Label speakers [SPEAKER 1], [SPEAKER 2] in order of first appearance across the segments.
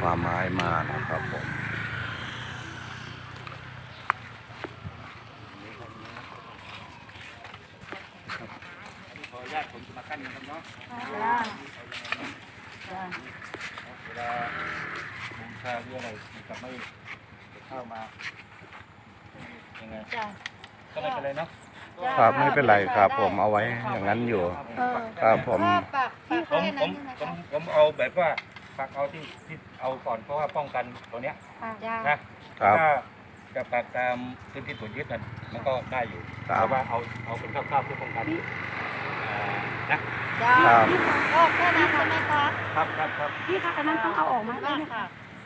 [SPEAKER 1] ป่าไม้มานะครับผม
[SPEAKER 2] ขออนุญาตผมจะมากั้นนะครับเนาะเวลาบูชาหรืออะไรจะไม่เข้ามายังไงก็ไม่เป็นไรเนาะ
[SPEAKER 1] ครับไม่เป็นไรครับผมเอาไว้อย่างนั้นอยู่ครับผม
[SPEAKER 2] ผมเอาแบบว่าปักเอาที่เอาก่อนเพราะว่าป้องกันตัวเนี้ยนะครับถ้าจะปักตามพื้นที่ตรวจยึดนั่นมันก็ได้อยู่เพราะว่าเอาเป็นคร่าวๆเพื่อป้องกันนะครับ
[SPEAKER 3] ก็แค่นั้นใช่ไหมคะ
[SPEAKER 2] ครับ
[SPEAKER 3] พี่คะอันนั้นต้องเอาออกมาได้ไหมคะ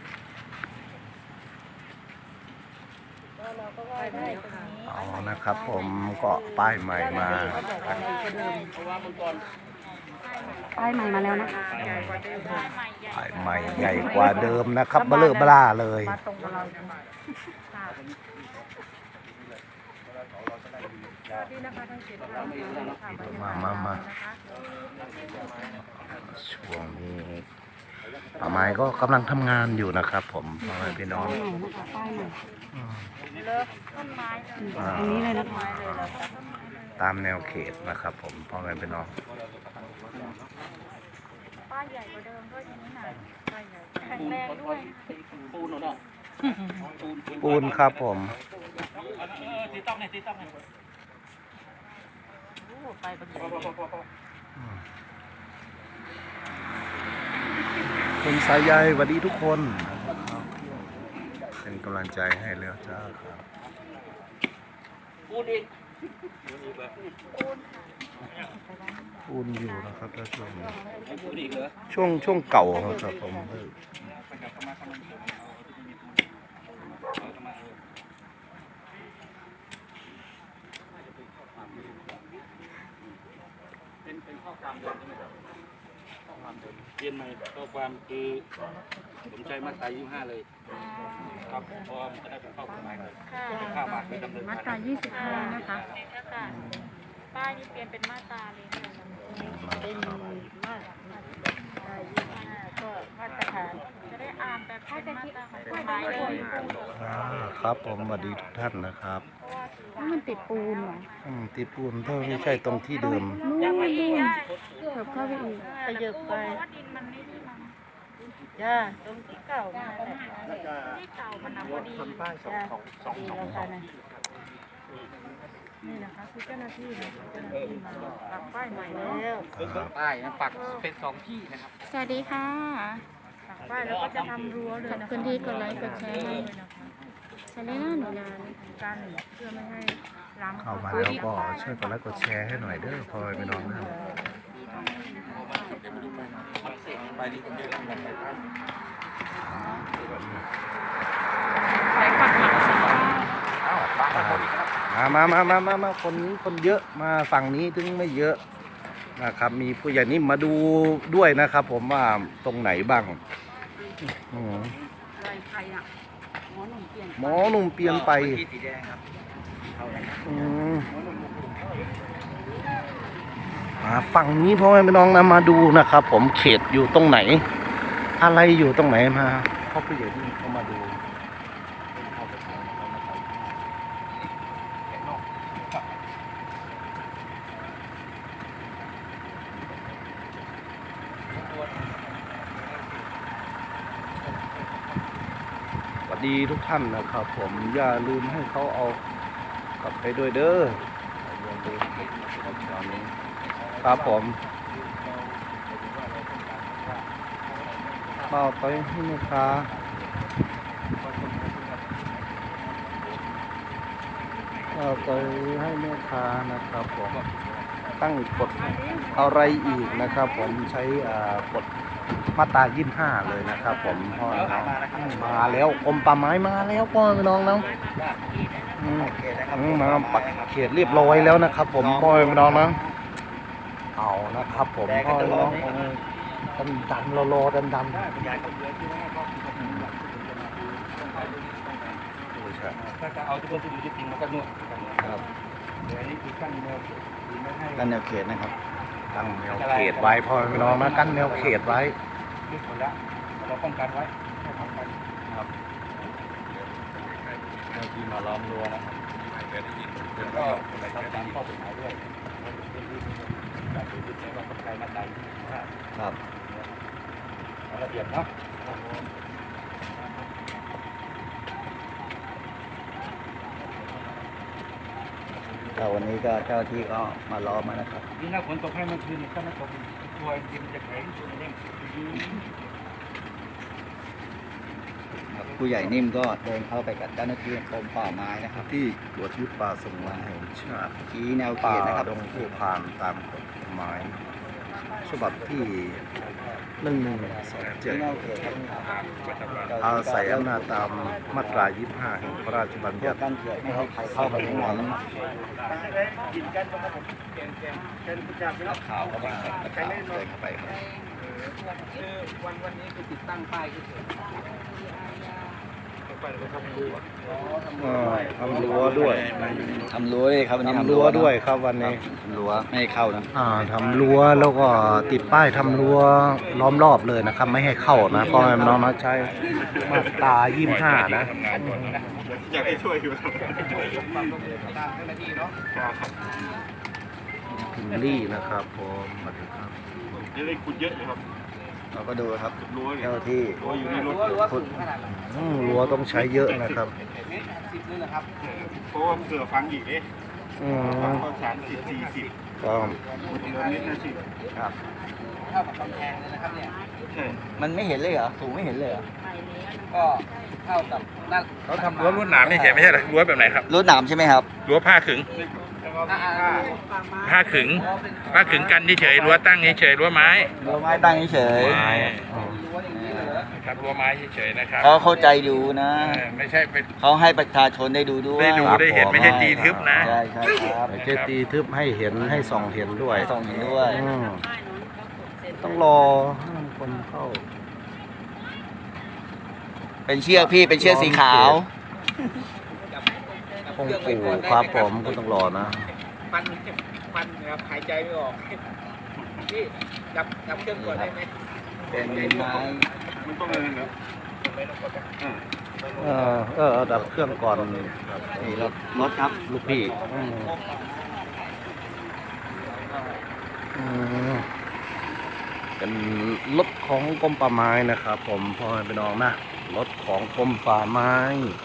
[SPEAKER 3] เราก็ว่าได้ตรงนี้
[SPEAKER 1] เอานะครับผมก็ป้ายใหม่มา
[SPEAKER 3] ป้ายใหม่มาแล้วนะคะ
[SPEAKER 1] ป้ายใหม่ใหญ่กว่าเดิมนะครับเบลอเบล่าเลย
[SPEAKER 3] มาตรงกับเรา
[SPEAKER 1] มาช่วงนี้ป่าไม้ก็กำลังทำงานอยู่นะครับผมพ่อแม่พี่น้อง
[SPEAKER 3] ป้ายใหม่นะคะป้ายใหม่
[SPEAKER 4] ต้นไม้เลย
[SPEAKER 3] ตรงนี้เลยนะคะ
[SPEAKER 1] ตามแนวเขตนะครับผมพ่อแม่พี่น้อง
[SPEAKER 4] ป้ายใหญ่กว่าเดิมด้วยทีนี้หน่อยป้ายใหญ่แข็งแรงด้วย
[SPEAKER 2] ปูนเนาะ
[SPEAKER 1] ปูนครับผม
[SPEAKER 2] ตีต้องเนี่ย
[SPEAKER 4] ไปบนใหญ่
[SPEAKER 1] คุณสายใยสวัสดีทุกคนเป็นกำลังใจให้เรือจ้าครับ
[SPEAKER 2] ปูนอีก
[SPEAKER 1] ปูนอยู่นะครับถ้าช่วงนี้
[SPEAKER 2] ปูนอีกเหรอ
[SPEAKER 1] ช่วงเก่าครับผม
[SPEAKER 2] เป็นข้อความเดิมใช่ไหมครับข้อความเดิมเปลี่ยนใหม่ข้อความคือผมใจมาตรา25เลยครับเพราะว่ามันจะได้เป็นข้อกฎหมายเลยเป็นข้ามาคือดำเนิน
[SPEAKER 3] มา
[SPEAKER 2] การ
[SPEAKER 3] ตรา25นะคะ
[SPEAKER 4] ค่ะป้ายนี่เปลี่ยนเป็นมาตราเลยค่ะ
[SPEAKER 3] เป็นมาตราก็มาตรฐาน
[SPEAKER 4] จะได้อ่านแบบเป็นมาตราของกฎหมายเลย
[SPEAKER 1] ครับผมสวัสดีทุกท่านนะครับ
[SPEAKER 3] แล้วมันติดปูนเหรอ
[SPEAKER 1] ตีปูนถ้าไม่ใช่ตรงที่เดิม
[SPEAKER 3] นู่นเถิบเข้าไปอีกขยับไป
[SPEAKER 4] เพราะว่าดินมันไม่ดีมา
[SPEAKER 3] จ้าตรงที่เก่ามาแหละ
[SPEAKER 4] ที่เก่ามันพอดี
[SPEAKER 3] จ้าดีแล้วค่ะนะนี่นะคะคือเจ้าหน้าที่นะเจ้าหน้าที่มาปักป้ายใหม่แล้ว
[SPEAKER 2] ป้ายนะปักเป็น2ที่นะครับ
[SPEAKER 3] สวัสดีค่ะ
[SPEAKER 4] ปักป้ายแล้วก็จะทำรั้วเลย
[SPEAKER 3] ขอบ
[SPEAKER 4] นะ
[SPEAKER 3] คุณที่กดไลค์กดแชร์ให้
[SPEAKER 4] ด้วยนะคะ
[SPEAKER 3] ใช้ได้หน้าหนูนาน
[SPEAKER 4] การเพื่อไม่ให้ล้ำ
[SPEAKER 1] เข้ามาแล้วก็ช่วยกดไลค์กดแชร์ให้หน่อยเด้อพ่อแม่พี่น้องนะ
[SPEAKER 2] ไปดีคนเยอะแล้วกัน
[SPEAKER 3] ใช้ปักหลักสิ
[SPEAKER 1] มาคนนี้คนเยอะมาฝั่งนี้ถึงไม่เยอะนะครับ มีผู้ใหญ่นิ่มมาดูด้วยนะครับ ผมว่าตรงไหนบ้าง
[SPEAKER 3] อะไรใครอ่ะหมอหนุ่มเปลี่ยน
[SPEAKER 1] หมอหนุ่มเปลี่ยนไป
[SPEAKER 2] ที่สีแดงครับ
[SPEAKER 1] ฝั่งนี้พ่อแม่พี่น้องนะมาดูนะครับ ผมเขตอยู่ตรงไหน อะไรอยู่ตรงไหนมาพ่อผู้ใหญ่นิ่มเขามาดูสวัสดีทุกท่านนะครับ ผมอย่าลืมให้เขาเอากลับไปด้วยเด้ออย่าลืมครับผมเอาไปให้แม่ค้าเอาไปให้แม่ค้านะครับผมตั้งกฎอะไรอีกนะครับ ผมใช้กฎมาตรา25เลยนะครับ ผมพ่อน้องมาแล้วกรมป่าไม้มาแล้วพ่อน้องน้องมาปักเขตเรียบร้อยแล้วนะครับ ผมพ่อน้องนะเอานะครับ ผมพ่อน้องดันรอดัน
[SPEAKER 2] ถ้าจะเอาที่มันจะอยู่จริงมันก็นวด
[SPEAKER 1] ครับ
[SPEAKER 2] เดี๋ยวนี้คือกั้นแนวไม่ให้
[SPEAKER 1] กั้นแนวเขตนะครับกั้นแนวเขตไว้พ่อน้องนะกั้นแนวเขตไว้
[SPEAKER 2] ลึกหมดแล้วเราป้องกันไว้ที่มาล้อมรั้วนะครับแล้วก็ทำตามข้อกฎหมายด้วยการถือยึดในว่าคนไทยมาตรา25
[SPEAKER 1] ครับ
[SPEAKER 2] ระเบียบเนาะ
[SPEAKER 1] ก็วันนี้ก็เจ้าที่ก็มาล้อมมานะครับ
[SPEAKER 2] นี่ถ้าฝนตกให้เมื่อคืนนี่ถ้าไม่ตกตัวดินจะแข็งตัวเด้ง
[SPEAKER 5] ผู้ใหญ่นิ่มก็เดินเข้าไปกับเจ้าหน้าที่กรมป่าไม้นะครับ
[SPEAKER 1] ที่ตรวจยึดป่าสงวนแห่งชาติ
[SPEAKER 5] ชี้แนวเข
[SPEAKER 1] ป่า
[SPEAKER 5] ตนะครับ
[SPEAKER 1] ดงผู้พานตามกฎหมายฉบับที่1127
[SPEAKER 5] ชี้แนวเขตครับ
[SPEAKER 1] อาศัยอำนาจตามมาตรา 25 แห่งพระราชบัญ
[SPEAKER 5] เพื่อ
[SPEAKER 1] ญัติ
[SPEAKER 5] กั้นเขตไม่ให้ใครเข้าไปในนั้น
[SPEAKER 2] ขาวก็มา
[SPEAKER 5] เดินเข้าไปครับ
[SPEAKER 2] วันนี้คือติดตั้งป้ายเฉย
[SPEAKER 1] ทำรั้วด้วย
[SPEAKER 5] ทำรั้วเลยครับวันนี้
[SPEAKER 1] ทำรั้วด้วยครับวันนี้
[SPEAKER 5] ทำรั้วไม่ให้เข้านะ
[SPEAKER 1] ทำรั้วแล้วก็ติดป้ายทำรั้วล้อมรอบเลยนะครับ ไม่ให้เข้านะเพราะมันน้องมาใช้มาตรา 25 นะ
[SPEAKER 2] อยากให้ช่วยอยู่
[SPEAKER 1] พิมลี่นะครับผมสวัสดีครับ
[SPEAKER 2] จะได้ขุดเยอะเลยครับ
[SPEAKER 5] เราก็ดูครับ
[SPEAKER 2] รั้วเนี่ย
[SPEAKER 5] เจ้าที่
[SPEAKER 2] รั้วอยู่ในรถ
[SPEAKER 5] ขุด
[SPEAKER 1] รั้วต้องใช้เยอะนะครับ
[SPEAKER 2] เพราะว่าเผื่อฟังอีกเอ๊ะ
[SPEAKER 1] อืม
[SPEAKER 2] ฟังก็30-40
[SPEAKER 1] ก็
[SPEAKER 2] เมตร50
[SPEAKER 5] ครับ
[SPEAKER 2] ใช่
[SPEAKER 5] มันไม่เห็นเลยเหรอสูงไม่เห็นเลยเหรอก็เท่ากับนั่น
[SPEAKER 6] เขาทำรั้วลวดหนามนี่เฉยไม่ใช่เหรอรั้วแบบไหนครับ
[SPEAKER 5] รถหนามใช่ไหมครับ
[SPEAKER 6] รั้วผ้าขึง
[SPEAKER 2] แล้วก็มีผ้า
[SPEAKER 6] ผ้าขึงกันเฉยรั้วตั้งเฉยรั้วไม้
[SPEAKER 5] รั้วไม้ตั้งเฉย
[SPEAKER 6] ไม้ครับรั้วไม้เฉยนะครับ
[SPEAKER 5] เขาเข้าใจดูนะ
[SPEAKER 6] ไม่ใช่เป็น
[SPEAKER 5] เขาให้ประชาชนได้ดูด้วย
[SPEAKER 6] ได้ดูได้เห็นไม่ใช่ตีทึบนะ
[SPEAKER 5] ใช่ใช่ครับ
[SPEAKER 1] ไม่ใช่ตีทึบให้เห็นให้ส่องเห็นด้วย
[SPEAKER 5] ส่องเห็นด้วย
[SPEAKER 1] อืมต้องรอให้คนเข้า
[SPEAKER 5] เป็นเชือกพี่เป็นเชือกสีขาว
[SPEAKER 1] คงปู่ครับผมก็ต้องรอนะ
[SPEAKER 2] มันนะครับหายใจไม่ออกนี่จับเครื่องก่อนได้ไหม
[SPEAKER 5] เป็นไม้
[SPEAKER 2] มันต้องเลยเหรอ
[SPEAKER 1] ดับเครื่องก่อน
[SPEAKER 5] นี่รถครับ
[SPEAKER 1] ลูกพี่เป็นรถของกรมป่าไม้นะครับ ผมพ่อแม่พี่น้องนะรถของกรมป่าไม้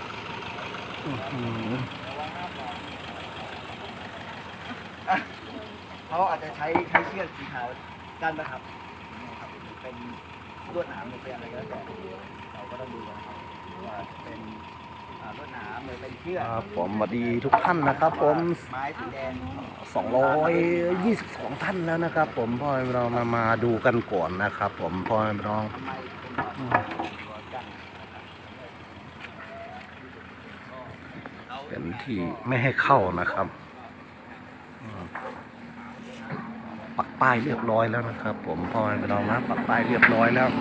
[SPEAKER 5] เขาอาจจะใช้เชือกสีขาวกั้นนะครับเป็นลวดหนามหรือเป็นอะไรก็แล้วแต่เราก็ต้องดูนะครับว่าเป็นลวดหนามหรือเป็นเชือก
[SPEAKER 1] ครับผมสวัสดีทุกท่านนะครับ ผม
[SPEAKER 5] ไม้สีแดง
[SPEAKER 1] 222 ท่านแล้วนะครับ ผมพ่อแม่พี่น้องมาดูกันก่อนนะครับ ผมพ่อแม่พี่น้อง
[SPEAKER 5] ทำไมเป็นรั้วกั้น
[SPEAKER 1] เป็นที่ไม่ให้เข้านะครับปักป้ายเรียบร้อยแล้วนะครับ ผมพ่อแม่พี่น้องนะปักป้ายเรียบร้อยแล้ว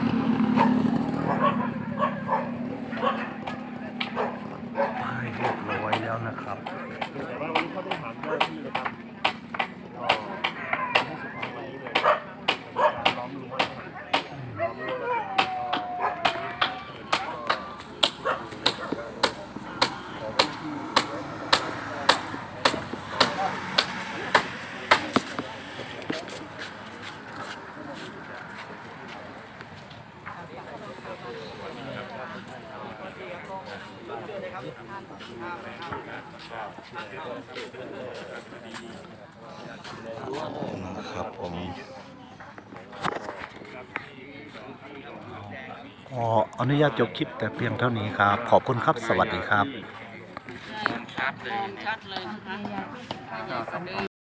[SPEAKER 1] ป้ายเรียบร้อยแล้วนะครับ
[SPEAKER 2] แต่ว่าวันนี้เขาต้องถามเจ้าหน้าที่นะครับก็ให้สุภาพวันนี้เลยการล้อมรั้วล้อมรั้วแล้ว
[SPEAKER 1] นะครับผมขออนุญาตจบคลิปแต่เพียงเท่านี้ครับ ขอบคุณครับ สวัสดีครับ
[SPEAKER 4] ชัดเลยนะคะ